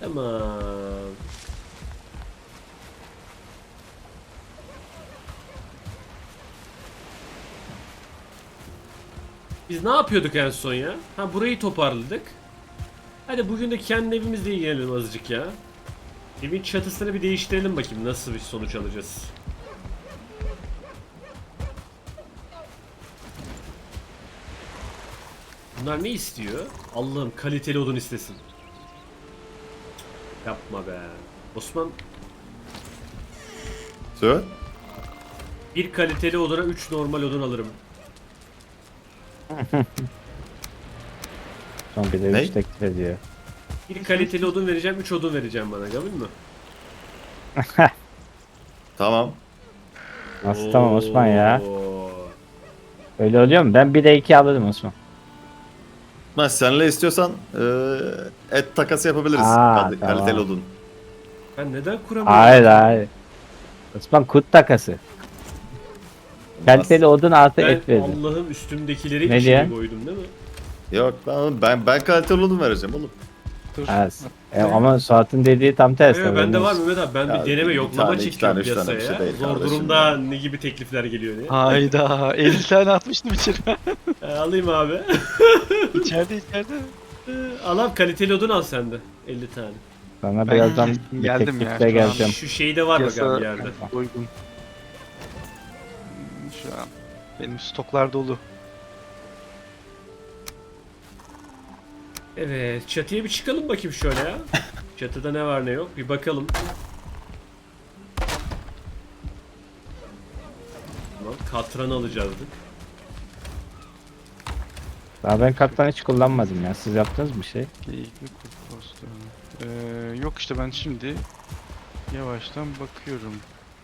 Tamam. Biz ne yapıyorduk en son ya? Ha, burayı toparladık. Hadi bugün de kendi evimizle ilgilenelim azıcık ya. Evin çatısını bir değiştirelim bakayım nasıl bir sonuç alacağız. Bunlar ne istiyor? Allah'ım kaliteli odun istesin. Yapma be. Osman, Söyle. bir kaliteli oduna 3 normal odun alırım. Son bir de Ne? 3 teklif ediyor. Bir kaliteli odun vereceğim, 3 odun vereceğim bana, kabul mü? Tamam. Nasıl tamam Osman ya? Oo. Öyle oluyor mu? Ben 1'e 2 alırım Osman. Ben seninle istiyorsan et takası yapabiliriz. Aa, tamam. Kaliteli odun. Ben neden kuramıyorum? Hayır hayır. Osman kut takası. Kaliteli odun artı Ben et verdim. Allah'ın üstümdekileri Ne içine diyen? koydum değil mi? Yok ben kaliteli odun vereceğim oğlum. Dur. Evet. ama Suat'ın dediği tam tersi. Evet, bende Haberiniz var olsun. Mehmet abi. Ben Ya, bir deneme bir yoklama tane, iki çekiyorum tane, üç tane bir piyasaya. şey değil Zor kardeşim durumda ya. ne gibi teklifler geliyor diye. Hayda 50 tane atmıştım içeri. Alayım abi. içeride. Al kaliteli odun al sen de. 50 tane. Sana Ben birazdan bir geldim ya, teklifle şu an. geleceğim. Şu şeyde var bak Piyasa- abi yerde. Uygun. Şu an benim stoklar dolu. Evet, çatıya bir çıkalım bakayım şöyle ya. Çatıda ne var ne yok bir bakalım. Tamam, katran alacaktık. Daha ben katlan hiç kullanmadım ya. Siz yaptınız mı bir şey? Geyikli kurt postu. Yok işte ben şimdi yavaştan bakıyorum.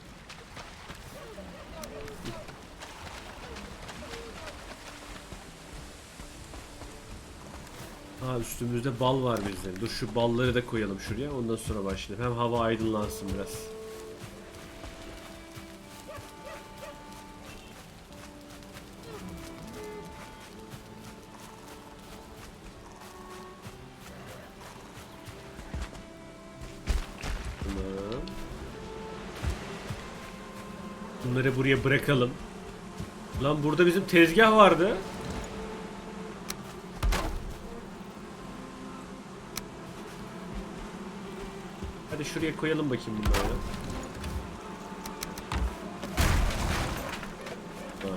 Ha, üstümüzde bal var bizde. Dur şu balları da koyalım şuraya, ondan sonra başlayalım. Hem hava aydınlansın biraz. Tamam. Bunları buraya bırakalım. Lan burada bizim tezgah vardı. Hadi şuraya koyalım bakayım bunları. Ha.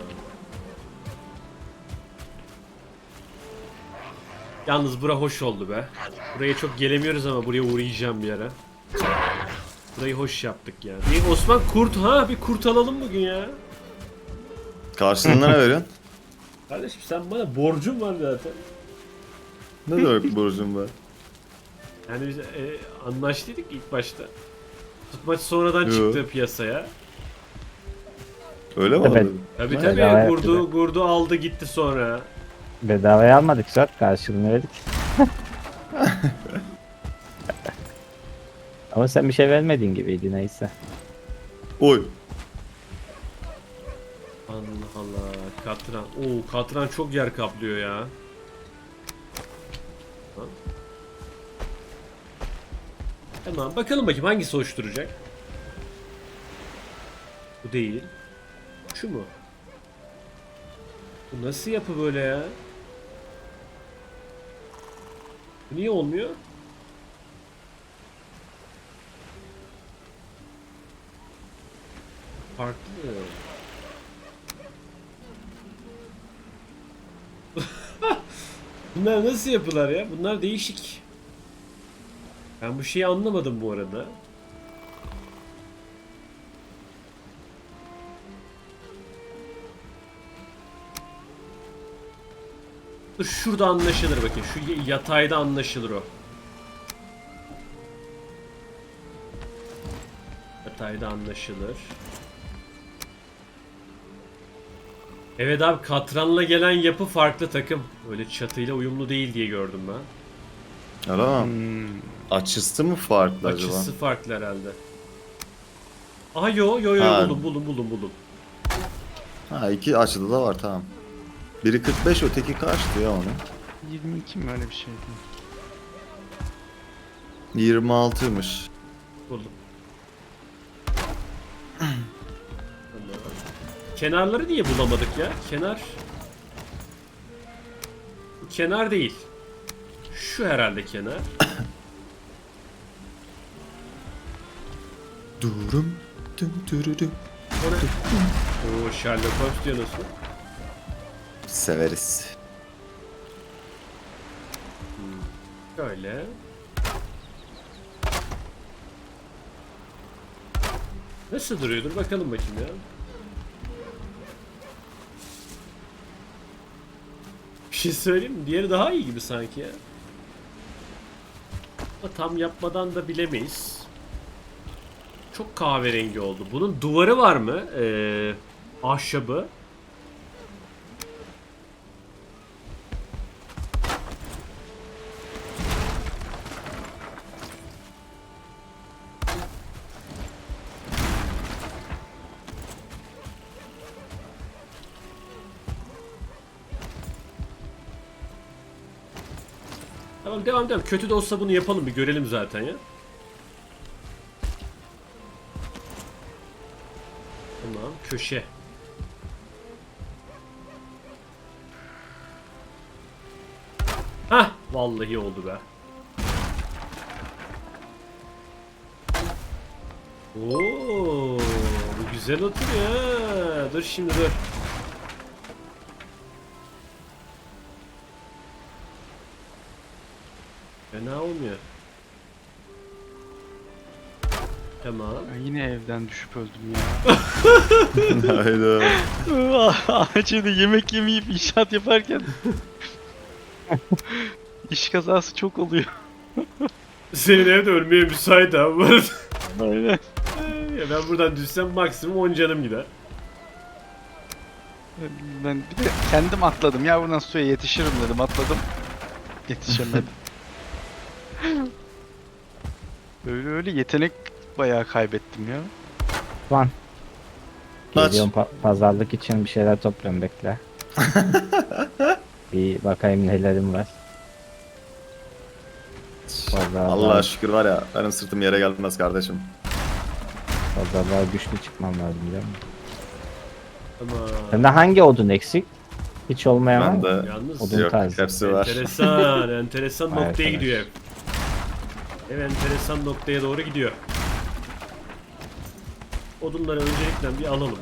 Yalnız bura hoş oldu be. Buraya çok gelemiyoruz ama buraya uğrayacağım bir ara. Burayı hoş yaptık ya. Bir Osman kurt, ha bir kurt alalım bugün ya. Karşılığında ne veriyorsun? Kardeşim sen bana borcun var zaten. Ne demek borcum var? Yani biz anlaştıydık ilk başta. Tutmaç sonradan Yo. çıktı piyasaya. Öyle mi Evet. oldu? Tabi Ne? tabi Bedava gurdu, yaptı gurdu aldı gitti sonra. Bedavaya almadık Suat. Karşılığını verdik. Ama sen bir şey vermediğin gibiydi neyse. Oy. Allah Allah, katran. Oo, katran çok yer kaplıyor ya. Ha. Tamam, bakalım bakayım hangisi hoş duracak. Bu değil. Şu mu? Bu nasıl yapı böyle ya? Bu niye olmuyor? Farklı. Bunlar nasıl yapılar ya? Bunlar değişik. Ben bu şeyi anlamadım bu arada. Dur şurada anlaşılır bakayım. Şu yatayda anlaşılır o. Yatayda anlaşılır. Evet abi, katranla gelen yapı farklı takım. Öyle çatıyla uyumlu değil diye gördüm ben. Öyle mi? Hmm. Açısı mı farklı acaba? Açısı farklı herhalde. Aha yo Ha. buldum. Ha, iki açıda da var, tamam. Biri 45, öteki kaçtı ya onun? 22 mi öyle bir şeydi? 26'ymış. Buldum. Tamam. Kenarları niye bulamadık ya? Bu kenar değil. Şu herhalde kenar. Durum. Düm dürürüm. O ne? Oo, Sherlock Holmes diyorsun. Severiz. Şöyle. Nasıl duruyordur bakalım bakayım ya. Bir şey söyleyeyim mi? Diğeri daha iyi gibi sanki ya. Ama tam yapmadan da bilemeyiz. Çok kahverengi oldu. Bunun duvarı var mı? Ahşabı. Tamam, devam. Kötü de olsa bunu yapalım, bir görelim zaten ya. Tamam, köşe. Hah, vallahi oldu be. Oo, bu güzel oturuyor ha. Dur şimdi dur. Fena olmuyor. Tamam. Ben yine evden düşüp öldüm ya. Hayda. Ağacıyla yemek yemeyip inşaat yaparken iş kazası çok oluyor. Senin evde ölmeye müsait abi bu arada. Aynen. Ya ben buradan düşsem maksimum 10 canım gider. Ben bir de kendim atladım ya, buradan suya yetişirim dedim, atladım. Yetişemedim. Öyle yetenek bayağı kaybettim ya. Lan. Aç. Geliyorum pazarlık için bir şeyler topluyorum, bekle. Bir bakayım nelerim var. Allah'a şükür var ya, benim sırtım yere gelmez kardeşim. Pazarlığa güçlü çıkmam lazım biliyor musun? Ama Sende hangi odun eksik? Hiç olmayan var Ben mı? de yalnız Odun yok, tarzı. hepsi var. enteresan Vay noktaya arkadaş. gidiyor ev. Ev enteresan noktaya doğru gidiyor. Odunları öncelikle bir alalım.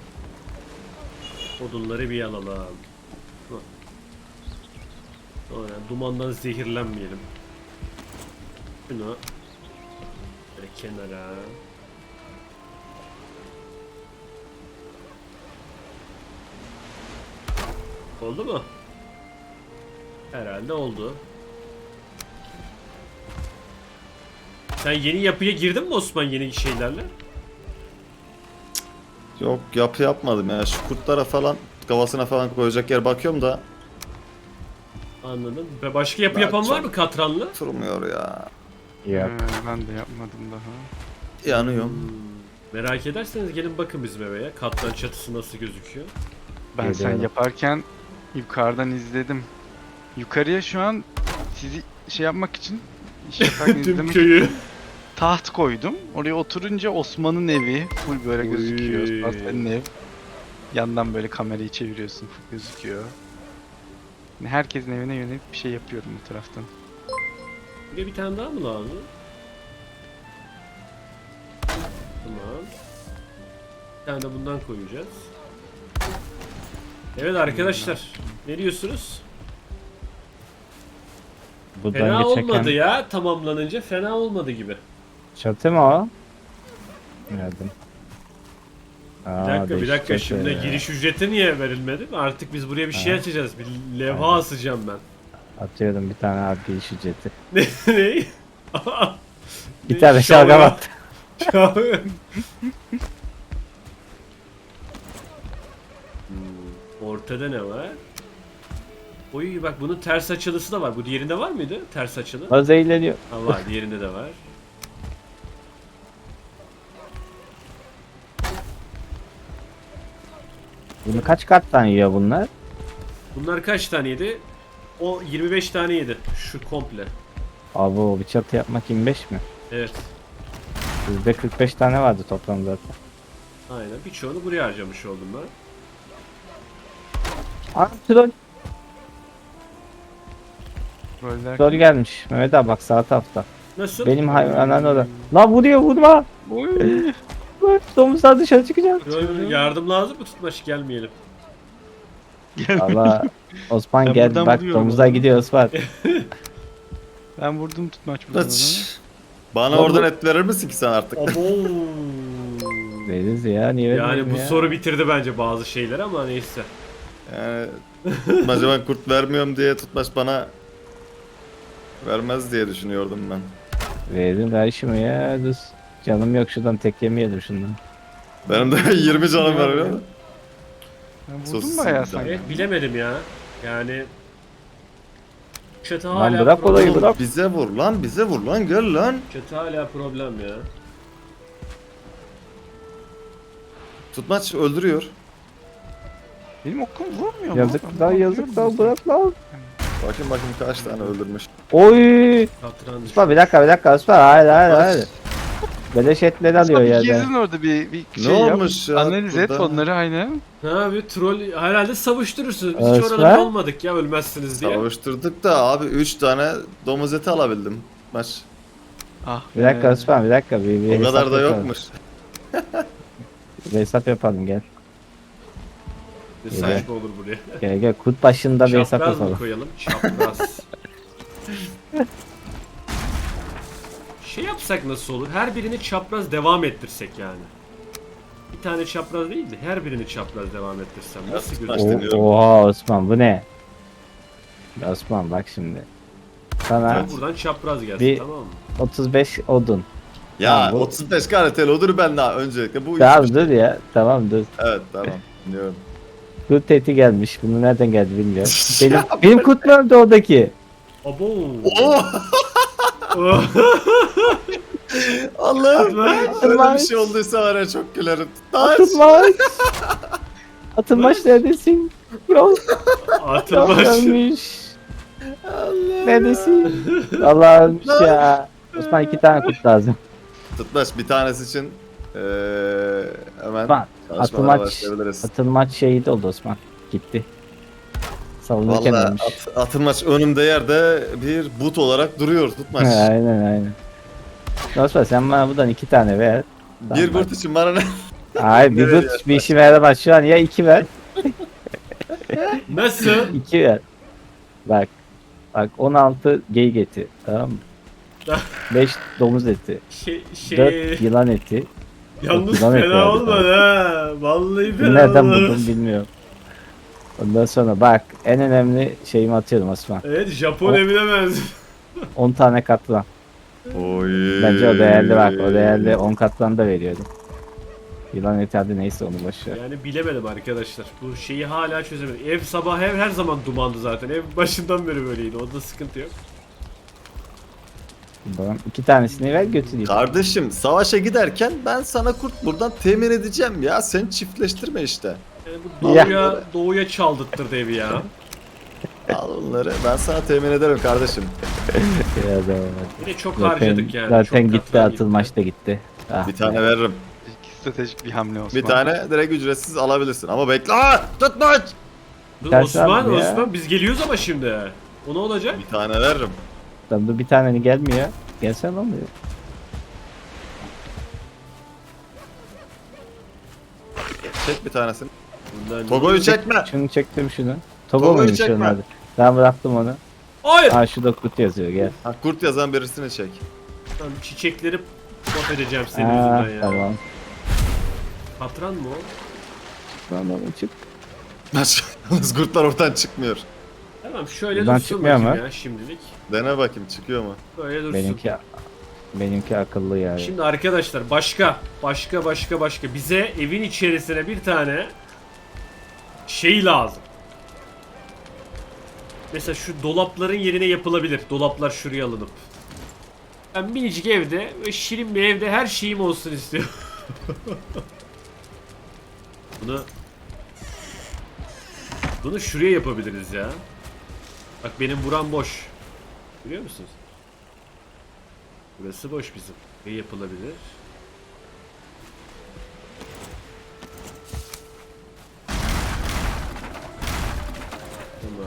Odunları bir alalım. Hı. Sonra dumandan zehirlenmeyelim. Şunu böyle kenara. Oldu mu? Herhalde oldu. Sen yeni yapıya girdin mi Osman, yeni şeylerle? Yok, yapı yapmadım ya. Şu kurtlara falan, kafasına falan koyacak yer bakıyorum da Anladım. Ve başka yapı Ben yapan var çok- mı katranlı? durmuyor ya. Yok. Ben de yapmadım daha. Yanıyorum. Merak ederseniz gelin bakın bizim eve ya. Katran çatısı nasıl gözüküyor. Ben sen Geliyorum. yaparken yukarıdan izledim. Yukarıya şu an sizi şey yapmak için, iş yaparken Tüm izlemek köyü. taht koydum. Oraya oturunca Osman'ın evi full böyle gözüküyor. Oy. Osman senin ev. Yandan böyle kamerayı çeviriyorsun, full gözüküyor. Yani herkesin evine yönelik bir şey yapıyorum bu taraftan. Bir tane daha mı lazım? Tamam. Bir tane de bundan koyacağız. Evet arkadaşlar. Ne diyorsunuz? Buradan Fena geçerken olmadı ya. Tamamlanınca fena olmadı gibi. çatı mı o? Nereden? Bir dakika. Şimdi giriş ücreti niye verilmedi? Artık biz buraya bir şey Ha. açacağız. Bir levha Aynen. asacağım ben. Atıyorum bir tane abi iş ücreti. Ne? Bir tane şalgam at. Ortada ne var? Oy bak, bunun ters açılısı da var. Bu diğerinde var mıydı? Ters açılı. O zehirleniyor. Ha, var. Diğerinde de var. Bunu kaç kattan yiyor bunlar? Bunlar kaç taneydi? O 25 tane yedi. Şu komple. Abi o bir çatı yapmak 25 mi? Evet. Bizde 45 tane vardı toplam zaten. Aynen. Birçoğunu buraya harcamış oldum ben. Aa troll. Roller. Troll gelmiş. Mehmet abi bak sağ tarafta. Nasıl? Benim hayvanlar orada. Lan vuruyor vurma. Oy. Bak, domuzlar dışarı çıkacak. Yardım lazım mı Tutmaç, gelmeyelim. Allah Osman Ben gel buradan bak vuruyorum domuzlar onu. gidiyor Osman. Ben vurdum tutmaç buradan Tutmaç. ona. Bana oradan et verir misin ki sen artık? Abo. Veririz ya niye Yani vermeyelim bu ya? soru bitirdi bence bazı şeyleri ama neyse. Yani tutmaca ben kurt vermiyorum diye tutmaç bana vermez diye düşünüyordum ben. Verin ver şunu ya dur. Canım yok şuradan tek yemeyelim şundan. Benim de 20 canım var öyle mi? Ben vurdum Sosis bayağı yiyeceğim. sanki. Evet, bilemedim ya. Yani çatı Lan hala bırak problem. olayı, bırak. Bize vur lan, bize vur lan, gel lan. Çatı hala problem ya. Tutmaç öldürüyor. Benim okum vurmuyor mu? Yazık Ben lan bakıyorum yazık lan mesela. bırak lan. Bakayım kaç tane öldürmüş. Oy. Katran düştü. Osman bir dakika Osman hayır. Beleş etleri alıyor Aslında bir yerden. gezin orada bir Ne şey yap. olmuş ya Analiz et burada? onları aynen. Ne abi, troll herhalde savuşturursunuz. Biz hiç Osman? orada olmadık ya, ölmezsiniz diye. Savaştırdık da abi 3 tane domuz eti alabildim. Maç. Ah Bir dakika be. Osman bir dakika. Bir O kadar hesap da yapalım. yokmuş. Bir hesap yapalım gel. Ne saçma olur buraya. Gel kurt başında bir hesap Çapraz mı yapalım. koyalım? Çapraz. Şey yapsak nasıl olur? Her birini çapraz devam ettirsek yani. Bir tane çapraz değil de her birini çapraz devam ettirsem nasıl Nasıl gözükür? deniyorum. Oha Osman bu ne? Osman bak şimdi. Sana Sen buradan çapraz gelsin, Bir- tamam mı? 35 odun. Ya Tamam, bu- 35 KRT'li odur ben daha öncelikle. Bu Tamam üç- dur ya. Tamam dur. Evet tamam. Dinliyorum. Kurt eti gelmiş. Bunu nereden geldi bilmiyorum. benim kurt mu öldü oradaki? Abo. Oh! Allah'ım. Tutmaç. Öyle bir şey olduysa var ya çok gülerim. Tutmaç. Atılmaç. Atılmaç neredesin? Yok. Atılmaç. Ölmüş. Neredesin? Allah ölmüş ya. Osman 2 tane kurt lazım. Tutmaç bir tanesi için hemen Bak, çalışmalara atılmaç, başlayabiliriz. atılmaç şehit oldu Osman. Gitti. Savunurken Valla ölmüş. atılmaç önümde yerde bir but olarak duruyor Tutmaç. aynen. Osman sen bana buradan 2 tane ver. Bir Tamam, kurt için bana ne? Hayır bir Nereye kurt bir işime yaramaz şu an ya 2 ver. Nasıl? 2 ver. Bak. Bak 16 geyik eti. Tamam mı? 5 domuz eti. 4 Şey, yılan eti. yalnız Yılan eti fena vardı olmadı ha. Vallahi fena Nereden olmadı. buldum bilmiyorum. Ondan sonra bak en önemli şeyimi atıyorum Osman. Evet, Japon O- evine benziyor. 10 tane katlan. Oy. Bence o değerli bak. O değerli 10 katlan da veriyorum. Yılan eti hadi neyse onu boş ver. Yani bilemedim arkadaşlar. Bu şeyi hala çözemedim. Ev sabah her zaman dumandı zaten. Ev başından beri böyleydi. Onda sıkıntı yok. Bakalım 2 tanesini ver götüreyim. Kardeşim savaşa giderken ben sana kurt buradan temin edeceğim ya. Sen çiftleştirme işte. Yani bu doğuya çaldırttırdı evi ya. Al onları ben sana temin ederim kardeşim. Ya da- Yine çok Zaten, harcadık yani. zaten çok gitti katran atılmaç da gitti. Ah, Bir tane veririm. Stratejik bir hamle Osman. Bir tane direkt ücretsiz alabilirsin ama bekle. Aa, Tutmaç. Dur, Tersi Osman, abi ya. Osman biz geliyoruz ama şimdi. O ne olacak? Bir tane veririm. Lan dur bir tane gelmiyor. Gelsene olmuyor. Çek bir tanesini. Bundan- Togo'yu çekme. Şunu çektim şunu. Togo Togo'yu muymuş çekme. onun adı? Ben bıraktım onu. Hayır. Ha şurada kurt yazıyor gel. Ha, kurt yazan birisini çek. Lan çiçekleri pot edeceğim senin Aa, yüzünden ya. tamam. Katran mı o? Tamam çık. Yalnız kurtlar oradan çıkmıyor. Tamam şöyle Buradan dursun çıkmıyor bakayım mu? ya şimdilik. Dene bakayım çıkıyor mu? Böyle dursun. Benimki akıllı yani. Şimdi arkadaşlar başka bize evin içerisine bir tane şey lazım. Mesela şu dolapların yerine yapılabilir. Dolaplar şuraya alınıp. Ben minicik evde ve şirin bir evde her şeyim olsun istiyorum. Bunu şuraya yapabiliriz ya. Bak benim buram boş. Biliyor musunuz? Burası boş bizim. Ne yapılabilir? Tamam.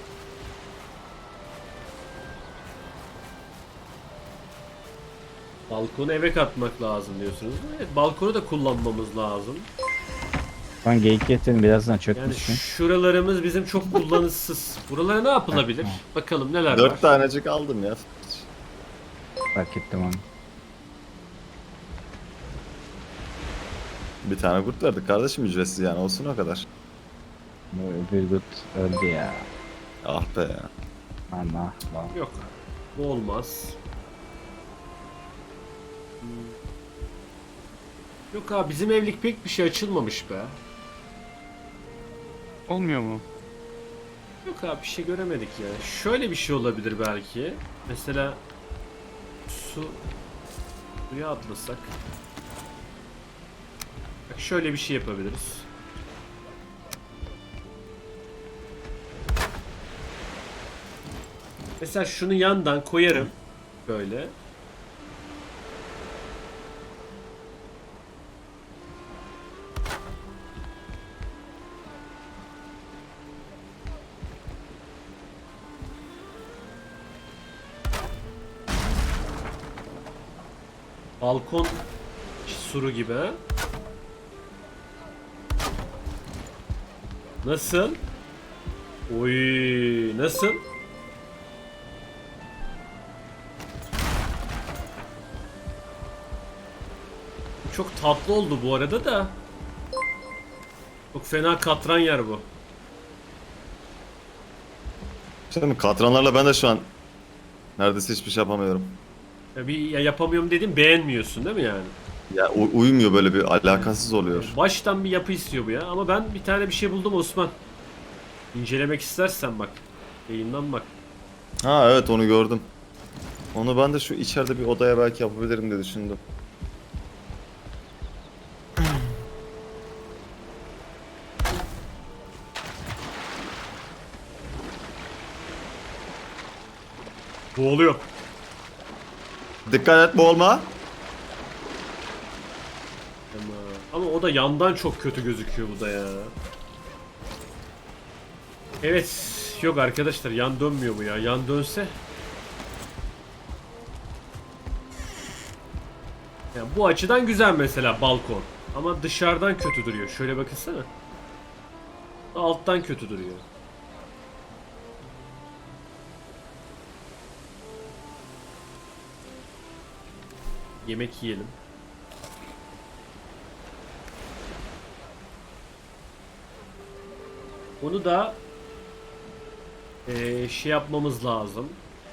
Balkonu eve katmak lazım diyorsunuz. Evet, balkonu da kullanmamız lazım. Şu an geyik getirin birazdan Yani çökmüşsün. şuralarımız bizim çok kullanışsız. Buralara ne yapılabilir? Bakalım neler var. 4 tanecik aldım ya. Fark ettim onu. Bir tane kurt verdik kardeşim, ücretsiz yani, olsun o kadar. Bu öbür gut öldü ya. Ah be ya. Allah Allah. Yok. Bu olmaz. Yok abi, bizim evlilik pek bir şey açılmamış be. Olmuyor mu? Yok abi, bir şey göremedik ya. Şöyle bir şey olabilir belki. Mesela suya atlasak. Bak şöyle bir şey yapabiliriz. Mesela şunu yandan koyarım. Böyle. Balkon suru gibi ha? Nasıl? Oy, nasıl? Çok tatlı oldu bu arada da. Çok fena katran yer bu. Şimdi katranlarla ben de şu an neredeyse hiçbir şey yapamıyorum. Ya yapamıyorum dedim, beğenmiyorsun değil mi yani? Ya uyumuyor, böyle bir alakasız oluyor. Baştan bir yapı istiyor bu ya. Ama ben bir tane bir şey buldum Osman. İncelemek istersen bak. Yayından bak. Ha evet, onu gördüm. Onu ben de şu içeride bir odaya belki yapabilirim diye düşündüm. Boğuluyor. Dikkat et, boğulma. Ama o da yandan çok kötü gözüküyor bu da ya. Evet. Yok arkadaşlar, yan dönmüyor bu ya. Yan dönse. Yani bu açıdan güzel mesela balkon. Ama dışarıdan kötü duruyor. Şöyle bakınsana. Alttan kötü duruyor. Yemek yiyelim. Onu da şey yapmamız lazım.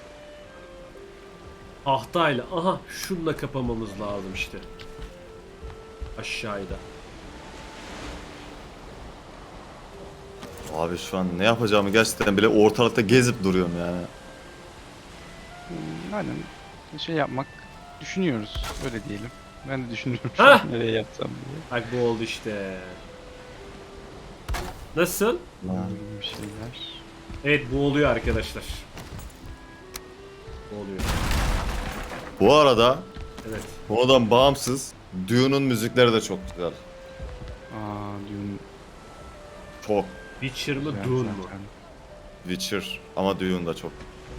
Tahtayla. Aha, şunla kapamamız lazım işte. Aşağıda. Abi şu an ne yapacağımı gerçekten bile ortalıkta gezip duruyorum yani. Aynen şey yapmak düşünüyoruz. Öyle diyelim. Ben de düşünüyorum şu Hah! an nereye yapsam diye. Bak bu oldu işte. Nasıl? Bir şeyler. Evet, bu oluyor arkadaşlar. Bu oluyor. Bu arada Evet. konudan bağımsız Dune'un müzikleri de çok güzel. Dune Çok. Witcher mı, güzel Dune mu? zaten. Witcher ama Dune da çok.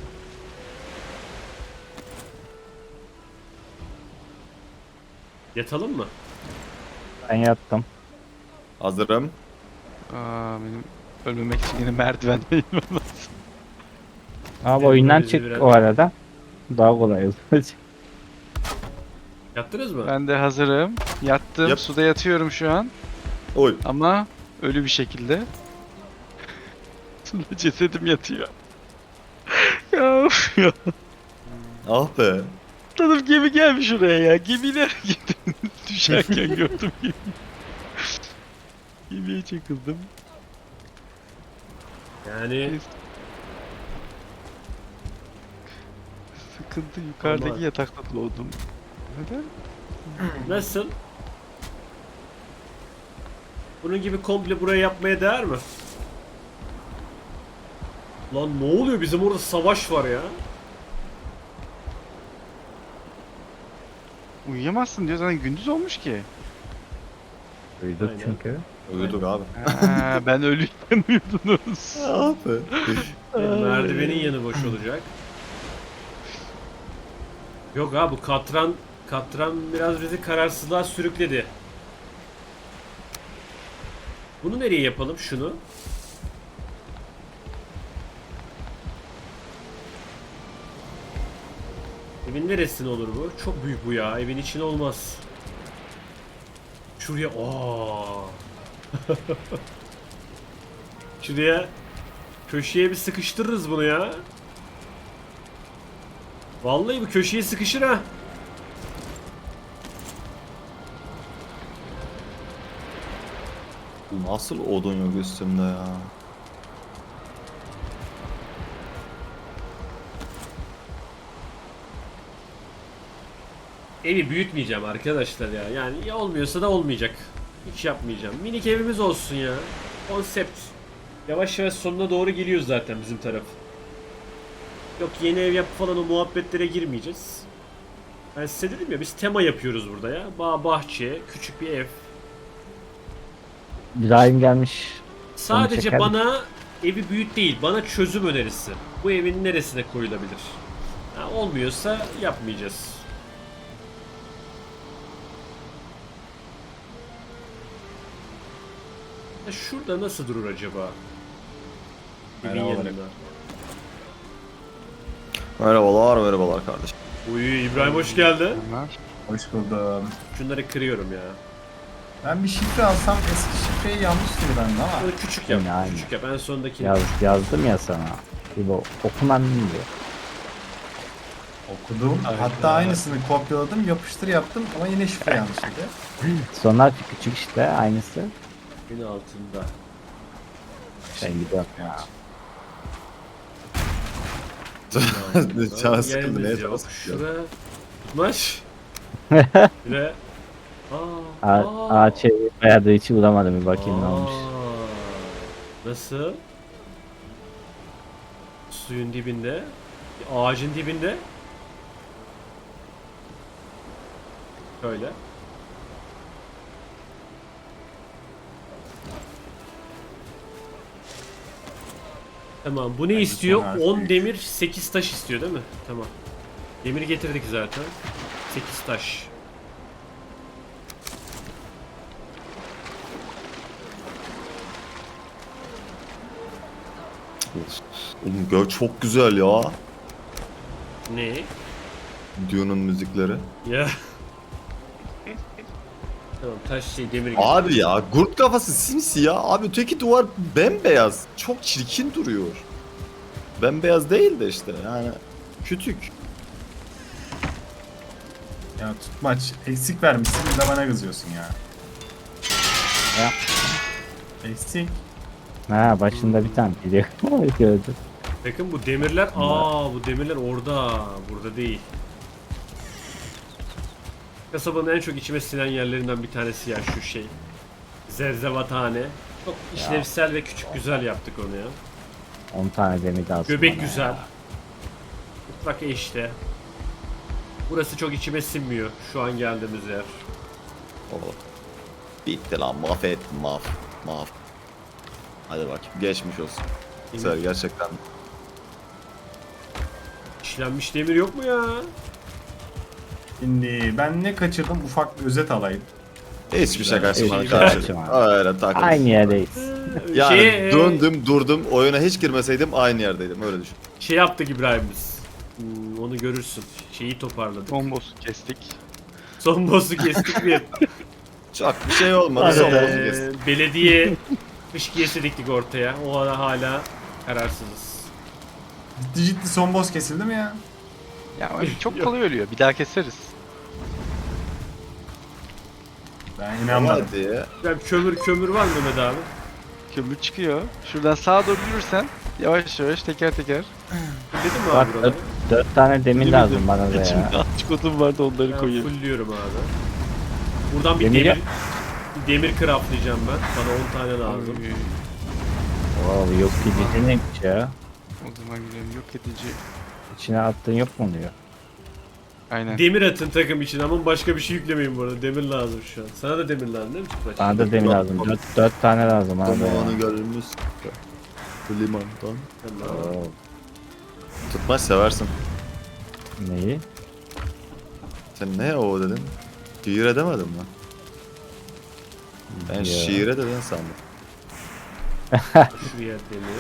Yatalım mı? Ben yattım. Hazırım. Benim ölmemek için yine merdivendeyim. Abi Evet, oyundan bizi çık biraz- o arada. Daha kolay olur. Yattınız mı? Ben de hazırım. Yattım. Yap. Suda yatıyorum şu an. Oy. Ama ölü bir şekilde. Suda cesedim yatıyor. Ya, of ya. Ah be. Tanım gemi gelmiş oraya ya. Gemiler gitti. Düşerken gördüm gemiyi. Gemiye çakıldım. Yani Sıkıntı, yukarıdaki Aman. yatakta doğdum. Neden? nasıl? Bunun gibi komple buraya yapmaya değer mi? Lan ne oluyor? Bizim orada savaş var ya. Uyuyamazsın diyor zaten gündüz olmuş ki. Duyduk Aynen. çünkü. Uyuduk abi. Ha, ben ölüyken uyudunuz. Abi. Merdivenin yanı boş olacak. Yok abi bu katran biraz bizi kararsızlığa sürükledi. Bunu nereye yapalım şunu? Evin neresine olur bu? Çok büyük bu ya. Evin içine olmaz. Şuraya. Aa. Şuraya köşeye bir sıkıştırırız bunu ya. Vallahi bu köşeye sıkışır ha. Nasıl odun yok üstümde ya? Evi büyütmeyeceğim arkadaşlar ya. Yani ya olmuyorsa da olmayacak. Hiç yapmayacağım. Minik evimiz olsun ya. Konsept. Yavaş yavaş sonuna doğru geliyoruz zaten bizim taraf. Yok yeni ev yap falan o muhabbetlere girmeyeceğiz. Ben size dedim ya biz tema yapıyoruz burada ya. Bağ, bahçe, küçük bir ev. İbrahim gelmiş. Sadece çeker bana evi büyüt değil, bana çözüm önerisi. Bu evin neresine koyulabilir? Ha, olmuyorsa yapmayacağız. Ya şurada nasıl durur acaba? Evin Merhabalar. yanında. Merhabalar kardeşim. Uy İbrahim hoş geldin. Bunlar. Hoş buldum. Şunları kırıyorum ya. Ben bir şifre alsam eski şifreyi yanlış gibi bende ama. Bunu küçük yap, Yine aynı. küçük yap. En sondakini. Yazdım ya sana. İbo okuman diyor. Okudum. Hatta aynısını kopyaladım, yapıştır yaptım ama yine şifre yanlışıydı. Son harfi küçük işte aynısı. Evin altında. Ben gidiyorum ya. Canı sıkıldı. Yerimiz Neye yok. sıkıldı? Şuraya tutmaş. Şuraya. Ağaç evi bayağı da hiç bulamadım bir bakayım ne olmuş. Nasıl? Suyun dibinde. Ağacın dibinde. Şöyle. Tamam. Bu ne Bence istiyor? son harfi 10 büyük. demir, 8 taş istiyor değil mi? Tamam. Demir getirdik zaten. 8 taş. Oğlum gök çok güzel ya. Ne? Dune'un müzikleri. Ya. Tamam taş şey demir getirdik. Abi ya kurt kafası simsiyah. Abi öteki duvar bembeyaz. Çok çirkin duruyor. Bembeyaz değil de işte yani kütük. Ya tutmaç eksik vermişsin bir de bana kızıyorsun ya. Ya. Eksik. Ha başında bir tane biliyor. Gördüm. Bakın bu demirler, bu demirler orada, burada değil. Kasabanın en çok içime sinen yerlerinden bir tanesi ya şu şey. Zerzevatane. Çok işlevsel ve küçük güzel yaptık onu ya. 10 tane demir lazım. Göbek bana güzel. ya. Mutlaka işte. Burası çok içime sinmiyor şu an geldiğimiz yer. Oh. Bitti lan mahvettim mahv. Hadi bakayım geçmiş olsun. Güzel gerçekten. İşlenmiş demir yok mu ya? Şimdi ben ne kaçırdım ufak bir özet alayım. Hiçbir şey kaçırmadık Hiçbir şey kardeşim. kaçırmadık. Öyle takıldım. Aynı yerdeyiz. Yani Şey, durdum oyuna hiç girmeseydim aynı yerdeydim öyle düşün. şey yaptık İbrahim biz. Onu görürsün. Şeyi toparladık. Bombosu kestik. Son boss'u kestik bir. Çok bir şey olmadı son boss'u kestim. Belediye fışkiyesi diktik ortaya. O ara hala kararsızız. Ciddi son boss kesildi mi ya? Ya öyle çok kolay ölüyor. Bir daha keseriz. Ben Ama inanmadım. hadi ya. Ben kömür var mı Mehmet abi? Kömür çıkıyor. Şuradan sağa doğru yürürsen yavaş yavaş teker teker. Dedim mi Bak abi buraları? 4 tane demir lazım bana da İçimde ya. açık odun vardı onları Ben koyuyorum. fullliyorum abi. Buradan bir Demir demir, yap. bir demir craftlayacağım ben. Bana 10 tane lazım. Wow, yok gidici neymiş ya? O zaman gidelim yok edici. İçine attığın yok mu diyor. Aynen. Demir atın takım için ama başka bir şey yüklemeyin bu arada. Demir lazım şu an. Sana da demir lazım değil mi Tüpraş? Bana da demir lazım. 4 tane lazım abi. Zamanı gelmiş. Bu limandan. Tamam. Oo, Tutmaç seversin. neyi? Sen ne o dedin? Şiir edemedin mi? Ben Ya. şiire dedin sandım. Şuraya demir.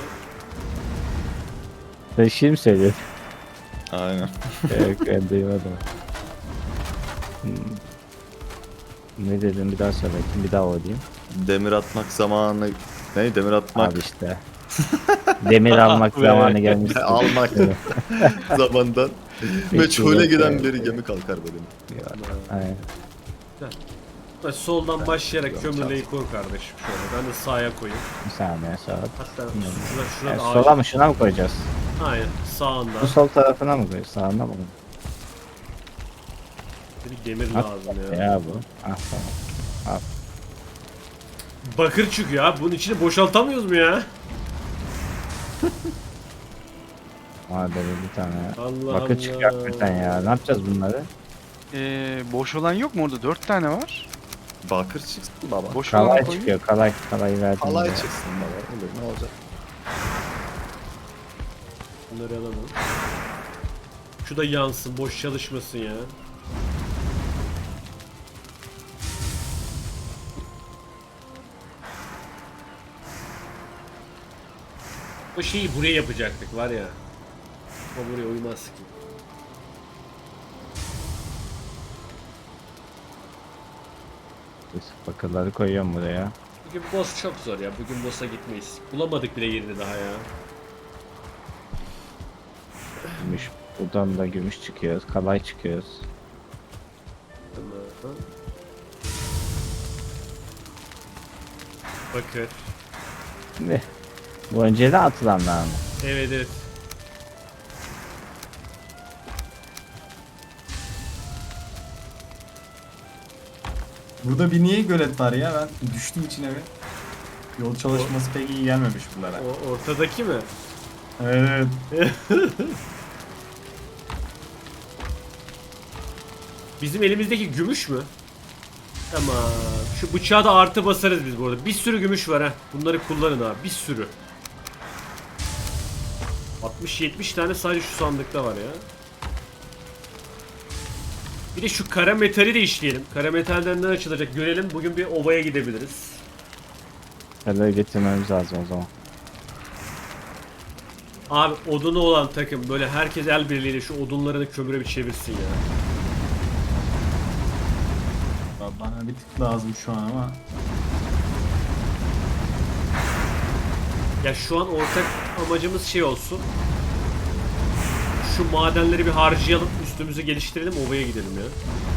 Sen şiir mi söylüyorsun? Aynen. Yok ben duymadım. Hmm. Ne dedim bir daha söyle bakayım, bir daha o diyeyim. Demir atmak zamanı... Ne? Demir atmak... Abi işte. Demir almak zamanı gelmiş. Almak zamandan. Meçhule yok giden yani. bir gemi kalkar benim. Aynen. Bak, soldan başlayarak Yok, kömürleyi koy kardeşim şöyle. Ben de sağa koyayım. Bir saniye sağa. Hatta Hmm. şurada Yani ağaç. sola mı şuna mı koyacağız? Aynen sağında. Bu sol tarafına mı koyacağız? Sağına mı? Bir demir At lazım ya. ya bu. Ah tamam. Bakır çıkıyor abi. Bunun içini boşaltamıyoruz mu ya? Hadi bir tane. Allah Bakır Allah. çıkıyor hakikaten ya. Ne yapacağız bunları? Boş olan yok mu orada? 4 tane var. Bakır çıksın baba. Boş olan Kalay koyun. çıkıyor. Kalayı verdim. Alay ya. çıksın baba. Olur ne olacak? Bunları alalım. Şu da yansın. Boş çalışmasın ya. O şeyi buraya yapacaktık var ya. O buraya uymaz ki. Bakırları koyuyorum buraya. Bugün boss çok zor ya. Bugün boss'a gitmeyiz. Bulamadık bile yerini daha ya. Gümüş. Buradan da gümüş çıkıyoruz. Kalay çıkıyoruz. Tamam. Bakır. Ne? Bu önceden atılanlar mı? Evet evet. Burada bir niye gölet var ya? Ben düştüm içine bir. Yol çalışması pek iyi gelmemiş bunlara. O ortadaki mi? Evet. Bizim elimizdeki gümüş mü? Tamam. Şu bıçağı da artı basarız biz bu arada. Bir sürü gümüş var ha. Bunları kullanın abi. Bir sürü. 60-70 tane sadece şu sandıkta var ya. Bir de şu kara metali de işleyelim. Kara metalden ne açılacak görelim. Bugün bir ovaya gidebiliriz. Kalaya getirmemiz lazım o zaman. Abi odunu olan takım böyle herkes el birliğiyle şu odunlarını kömüre bir çevirsin ya. Bana bir tık lazım şu an ama. Ya şu an ortak amacımız şey olsun. Şu madenleri bir harcayalım, üstümüzü geliştirelim, ovaya gidelim ya.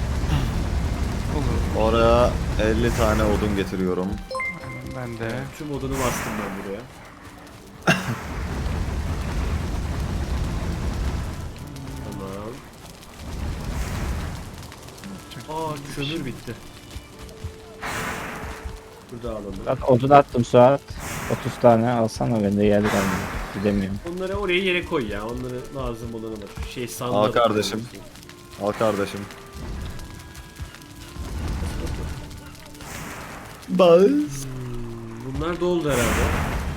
Olur. Oraya 50 tane odun getiriyorum. Ben de. Tüm odunu bastım ben buraya. Tamam. Aa kömür bitti. Burada alalım. Bak odun attım Suat. 30 tane alsana bende yer kalmadı. Gidemiyorum. Onları oraya yere koy ya. Onları lazım olanı var. Şey sandığa Al da kardeşim. koyabilirsin. Al kardeşim. Baz. Bunlar doldu herhalde.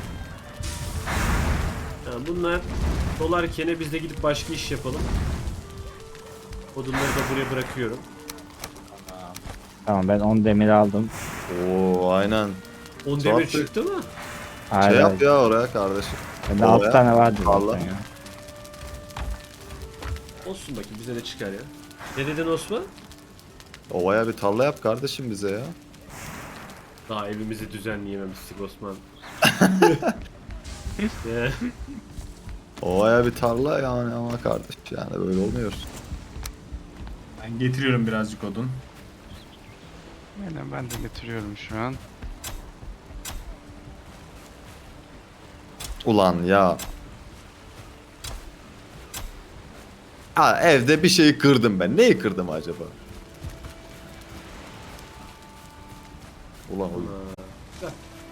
Yani bunlar dolarken biz de gidip başka iş yapalım. Odunları da buraya bırakıyorum. Tamam ben 10 demir aldım. Oo aynen. 10 demir Tuhaf. çıktı mı? Hayır, Şey yap hayır. ya oraya kardeşim. Bende Oraya. 6 tane vardı Allah. zaten ya. Olsun bakayım bize de çıkar ya. Ne dedin Osman? Ovaya bir tarla yap kardeşim bize ya. Daha evimizi düzenleyememiştik Osman. Ya, Ovaya bir tarla yani ama kardeş yani böyle olmuyor. Ben getiriyorum birazcık odun. Aynen ben de getiriyorum şu an. Ulan ya. Ha evde bir şeyi kırdım ben. Neyi kırdım acaba? Ulan